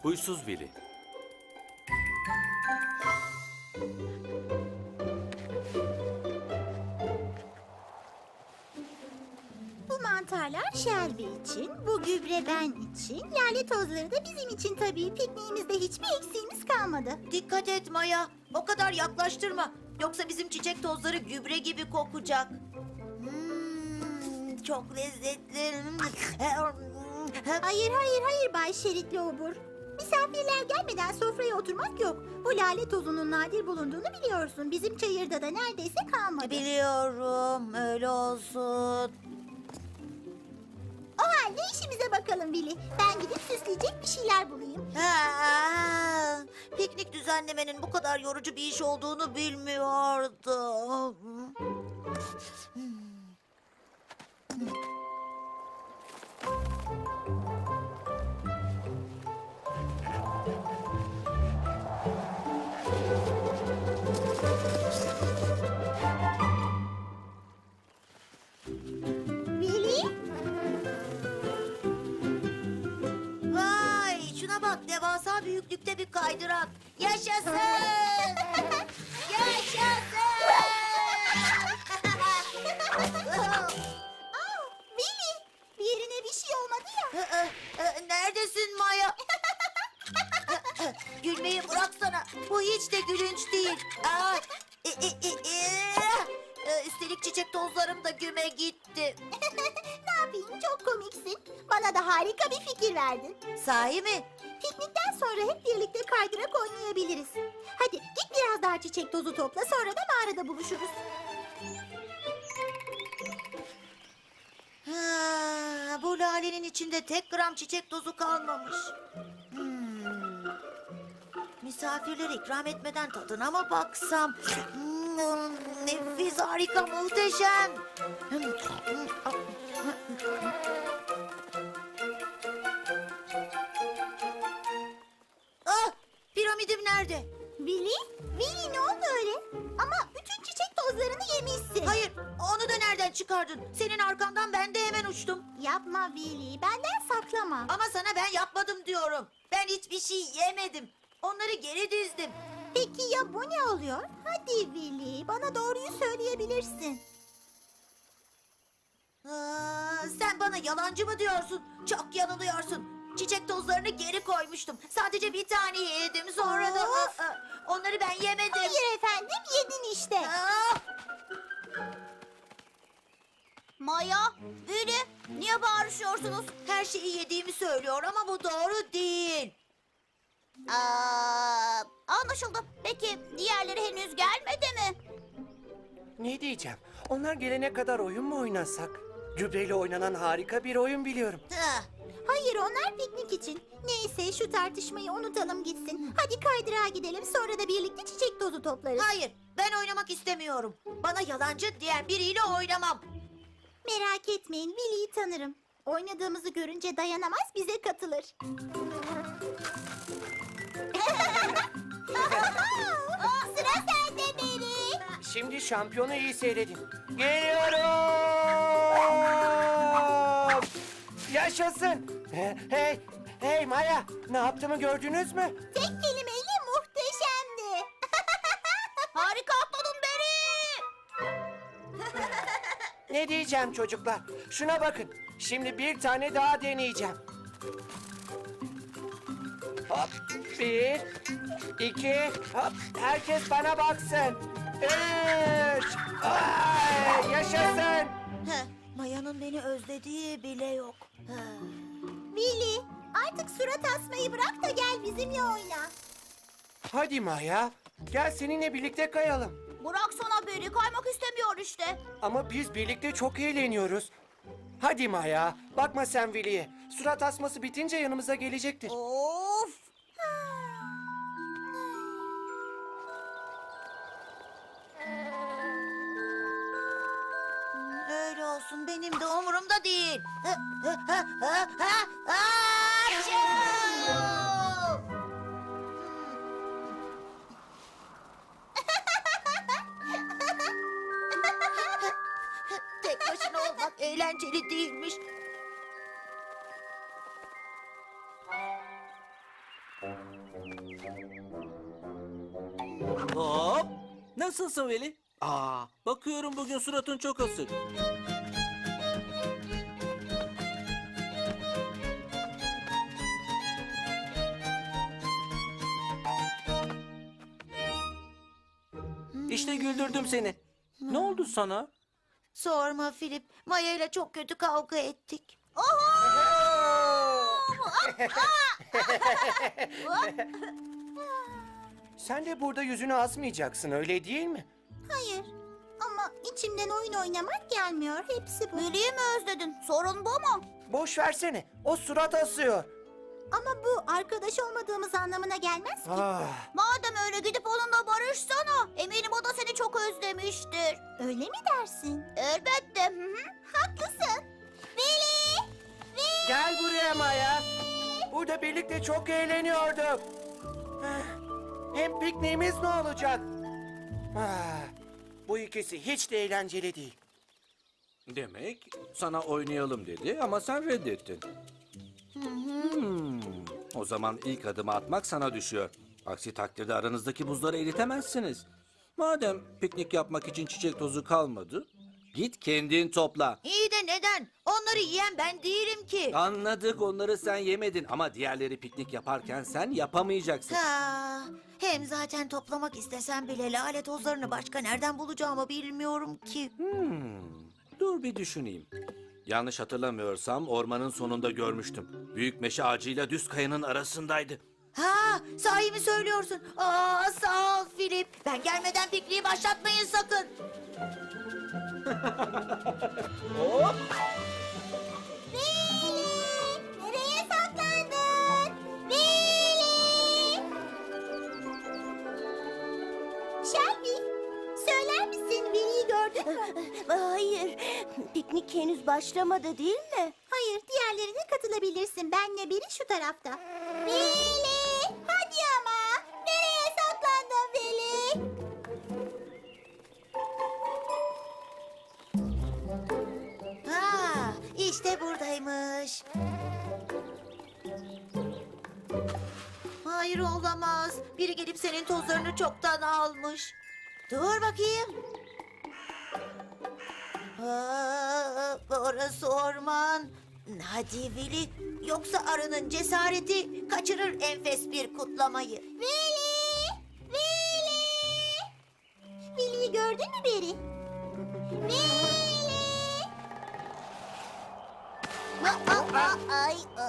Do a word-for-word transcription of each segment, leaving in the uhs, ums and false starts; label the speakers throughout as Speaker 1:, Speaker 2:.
Speaker 1: Huysuz Willy.
Speaker 2: Bu mantarlar Shelby için, bu gübre ben için, lale tozları da bizim için tabii. Pikniğimizde hiçbir eksiğimiz kalmadı.
Speaker 3: Dikkat et Maya. O kadar yaklaştırma. Yoksa bizim çiçek tozları gübre gibi kokacak. Hmm, çok lezzetli.
Speaker 2: Hayır hayır hayır Bay Şeritli Obur. Misafirler gelmeden sofraya oturmak yok. Bu lale tozunun nadir bulunduğunu biliyorsun. Bizim çayırda da neredeyse kalmadı.
Speaker 3: Biliyorum, öyle olsun.
Speaker 2: O halde işimize bakalım Willy. Ben gidip süsleyecek bir şeyler bulayım.
Speaker 3: Ha, piknik düzenlemenin bu kadar yorucu bir iş olduğunu bilmiyordum.
Speaker 2: Willy?
Speaker 3: Vay, şuna bak, devasa büyüklükte bir kaydırak. Yaşasın! Yaşasın!
Speaker 2: Aa, Willy! Bir yerine bir şey olmadı ya.
Speaker 3: Neredesin Maya? Gülmeyi bıraksana. Bu hiç de gülünç değil. Aa, e, e, e, e. Ee, Üstelik çiçek tozlarım da güme gitti.
Speaker 2: Ne yapayım, çok komiksin. Bana da harika bir fikir verdin.
Speaker 3: Sahi mi?
Speaker 2: Piknikten sonra hep birlikte kaydırak oynayabiliriz. Hadi git biraz daha çiçek tozu topla, sonra da mağarada buluşuruz.
Speaker 3: Ha, bu lalenin içinde tek gram çiçek tozu kalmamış. Hmm. Misafirlere ikram etmeden tadına mı baksam? Hmm, nefis, harika, muhteşem. Ah, piramidim nerede?
Speaker 2: Willy? Willy ne oldu öyle? Ama bütün çiçek tozlarını yemişsin.
Speaker 3: Hayır, onu da nereden çıkardın? Senin arkandan ben de hemen uçtum.
Speaker 2: Yapma Willy, benden saklama.
Speaker 3: Ama sana ben yapmadım diyorum. Ben hiçbir şey yemedim. Onları geri dizdim.
Speaker 2: Peki ya bu ne oluyor? Hadi Willy, bana doğruyu söyleyebilirsin.
Speaker 3: Aa, sen bana yalancı mı diyorsun? Çok yanılıyorsun. Çiçek tozlarını geri koymuştum. Sadece bir tane yedim. Sonra da
Speaker 2: Of!
Speaker 3: Aa, aa, onları ben yemedim.
Speaker 2: Hayır efendim, yedin işte.
Speaker 3: Aa,
Speaker 2: Maya, Willy, niye bağırışıyorsunuz?
Speaker 3: her şeyi yediğimi söylüyor ama bu doğru değil.
Speaker 2: Aa, anlaşıldı. Peki diğerleri henüz gelmedi mi?
Speaker 4: Ne diyeceğim? Onlar gelene kadar oyun mu oynasak? Gübreyle oynanan harika bir oyun biliyorum.
Speaker 3: Ah,
Speaker 2: Hayır, onlar piknik için. Neyse, şu tartışmayı unutalım gitsin. Hadi kaydırağa gidelim, sonra da birlikte çiçek tozu toplarız.
Speaker 3: hayır, ben oynamak istemiyorum. Bana yalancı diyen biriyle oynamam.
Speaker 2: Merak etmeyin, Willy'yi tanırım. Oynadığımızı görünce dayanamaz, bize katılır. Oh, sıra sende Beri.
Speaker 4: Şimdi şampiyonu iyi seyredin. Geliyorum! Yaşasın! He- Hey, hey Maya, ne yaptığımı gördünüz mü?
Speaker 2: Tek kelimeyle muhteşemdi. Harika atladın Beri.
Speaker 4: Ne diyeceğim çocuklar? Şuna bakın. Şimdi bir tane daha deneyeceğim. Hop, bir, iki, hop. Herkes bana baksın. Üç, ay, yaşasın.
Speaker 3: Heh, Maya'nın beni özlediği bile yok. Heh.
Speaker 2: Willy, artık surat asmayı bırak da gel bizimle oyna.
Speaker 4: Hadi Maya, gel seninle birlikte kayalım.
Speaker 2: Bıraksana Beri, kaymak istemiyor işte.
Speaker 4: Ama biz birlikte çok eğleniyoruz. Hadi Maya, bakma sen Willy'ye. Surat asması bitince yanımıza gelecektir.
Speaker 3: Of! Öyle olsun, benim de umurumda değil. Ha, ha, ha, ha, ha, Achoo! Tek başına olmak eğlenceli değilmiş.
Speaker 1: Hop! Nasılsın Veli? Aa, bakıyorum bugün suratın çok asık. İşte güldürdüm seni. Ne oldu sana?
Speaker 3: Sorma Filip. Maya ile çok kötü kavga ettik.
Speaker 4: Sen de burada yüzünü asmayacaksın, öyle değil mi?
Speaker 2: Hayır. Ama içimden oyun oynamak gelmiyor. Hepsi bu.
Speaker 3: Veli'yi mi özledin? Sorun bu mu?
Speaker 4: Boş versene, o surat asıyor.
Speaker 2: Ama bu arkadaş olmadığımız anlamına gelmez ki.
Speaker 4: Ah,
Speaker 3: Madem öyle gidip onunla barışsana. Eminim o da seni çok özlemiştir.
Speaker 2: Öyle mi dersin?
Speaker 3: Elbette. Hı hı.
Speaker 2: Haklısın. Veli! Veli!
Speaker 4: gel buraya Maya. Burada birlikte çok eğleniyorduk. Ah, hem pikniğimiz ne olacak? Ah, bu ikisi hiç de eğlenceli değil.
Speaker 1: Demek sana oynayalım dedi ama sen reddettin. Hmm, o zaman ilk adımı atmak sana düşüyor. Aksi takdirde aranızdaki buzları eritemezsiniz. Madem piknik yapmak için çiçek tozu kalmadı, git kendin topla.
Speaker 3: İyi de neden? Onları yiyen ben değilim ki.
Speaker 1: Anladık, onları sen yemedin ama diğerleri piknik yaparken sen yapamayacaksın.
Speaker 3: Ha, hem zaten toplamak istesem bile lale tozlarını başka nereden bulacağımı bilmiyorum ki.
Speaker 1: Hmm, dur bir düşüneyim. Yanlış hatırlamıyorsam ormanın sonunda görmüştüm. Büyük meşe ağacıyla düz kayanın arasındaydı.
Speaker 3: Ha, sahi mi söylüyorsun? Aa, sağ ol Filip. Ben gelmeden pikniği başlatmayın sakın.
Speaker 2: Veli! Nereye saklandın? Veli! Shelby, söyler misin Veli'yi gördün mü?
Speaker 5: Hayır, piknik henüz başlamadı değil mi?
Speaker 2: Hayır, diğerlerine katılabilirsin. Benle biri şu tarafta. Veli! Hadi ama! Nereye saklandın Veli?
Speaker 3: Ha, işte buradaymış. Hayır olamaz. Biri gelip senin tozlarını çoktan almış. Dur bakayım. Aa, orası orman. Hadi Veli. Yoksa arının cesareti kaçırır enfes bir kutlamayı.
Speaker 2: Veli! Veli! Veli'yi gördün mü Beri? Veli!
Speaker 3: Aa, aa, ay, aa.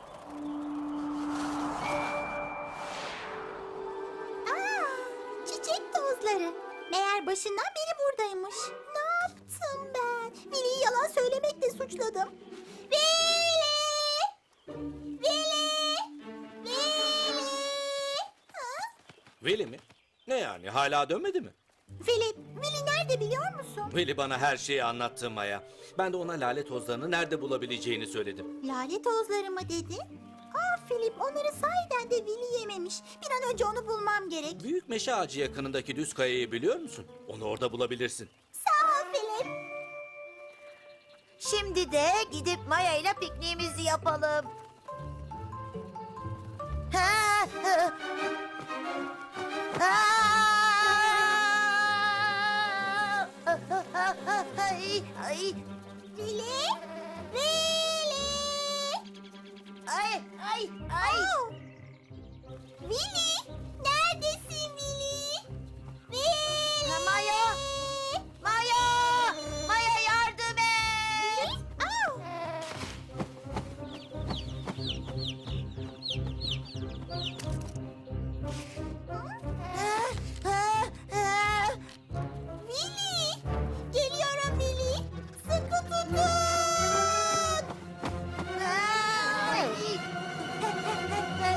Speaker 2: Aa, çiçek tozları. Meğer başından beri buradaymış. Ne yaptım ben? Veli'yi yalan söylemekle suçladım. Veli! Veli! Veli! Ha?
Speaker 1: Veli mi? Ne yani, hala dönmedi mi?
Speaker 2: Filip, Veli nerede biliyor musun?
Speaker 1: Veli bana her şeyi anlattı Maya. Ben de ona lale tozlarını nerede bulabileceğini söyledim.
Speaker 2: Lale tozları mı dedin? Aa Filip, onları sahiden de Veli yememiş. Bir an önce onu bulmam gerek.
Speaker 1: Büyük meşe ağacı yakınındaki düz kayayı biliyor musun? Onu orada bulabilirsin.
Speaker 2: Sağ ol Filip.
Speaker 3: Şimdi de gidip Maya ile pikniğimizi yapalım. Ha, ha. Ha. Ay, ay,
Speaker 2: Veli! Veli!
Speaker 3: ay, ay, ay.
Speaker 2: Oh! Veli! Neredesin Veli? Veli!
Speaker 3: Ha, Maya! Maya! Maya yardım et!
Speaker 2: Oh!
Speaker 3: Ha, ha, ha.
Speaker 2: Veli! Geliyorum Veli! Sıkı tutun!
Speaker 3: Ay.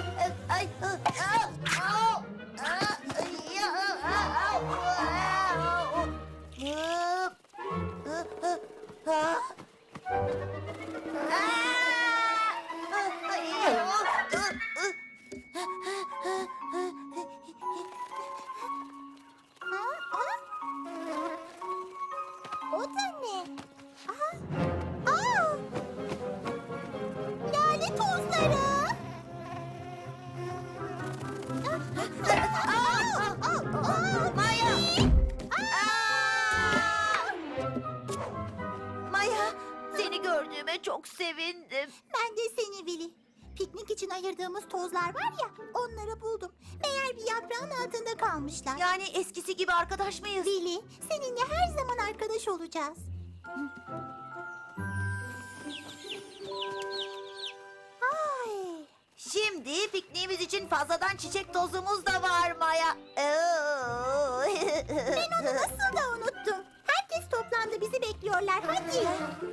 Speaker 3: Maya! Maya, seni gördüğüme çok sevindim.
Speaker 2: Ben de seni Willy. Piknik için ayırdığımız tozlar var ya, onları buldum. Meğer bir yaprağın altında kalmışlar.
Speaker 3: Yani eskisi gibi arkadaş mıyız?
Speaker 2: Willy, seninle her zaman arkadaş olacağız. Ay,
Speaker 3: Şimdi pikniğimiz için fazladan çiçek tozumuz da var Maya.
Speaker 2: ben onu nasıl da unuttum. Herkes toplandı, bizi bekliyorlar. Hadi.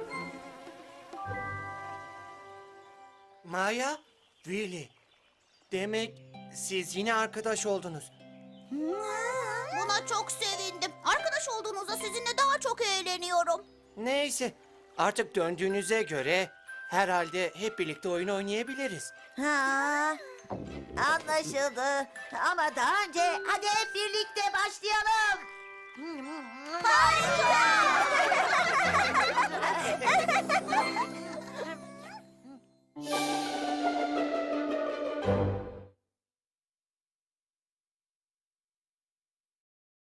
Speaker 4: Maya, Willy. Demek siz yine arkadaş oldunuz.
Speaker 2: Buna çok sevindim. Arkadaş olduğunuzda sizinle daha çok eğleniyorum.
Speaker 4: Neyse, artık döndüğünüze göre herhalde hep birlikte oyun oynayabiliriz.
Speaker 3: Ha, anlaşıldı. Ama daha önce hadi hep birlikte başlayalım. Harika!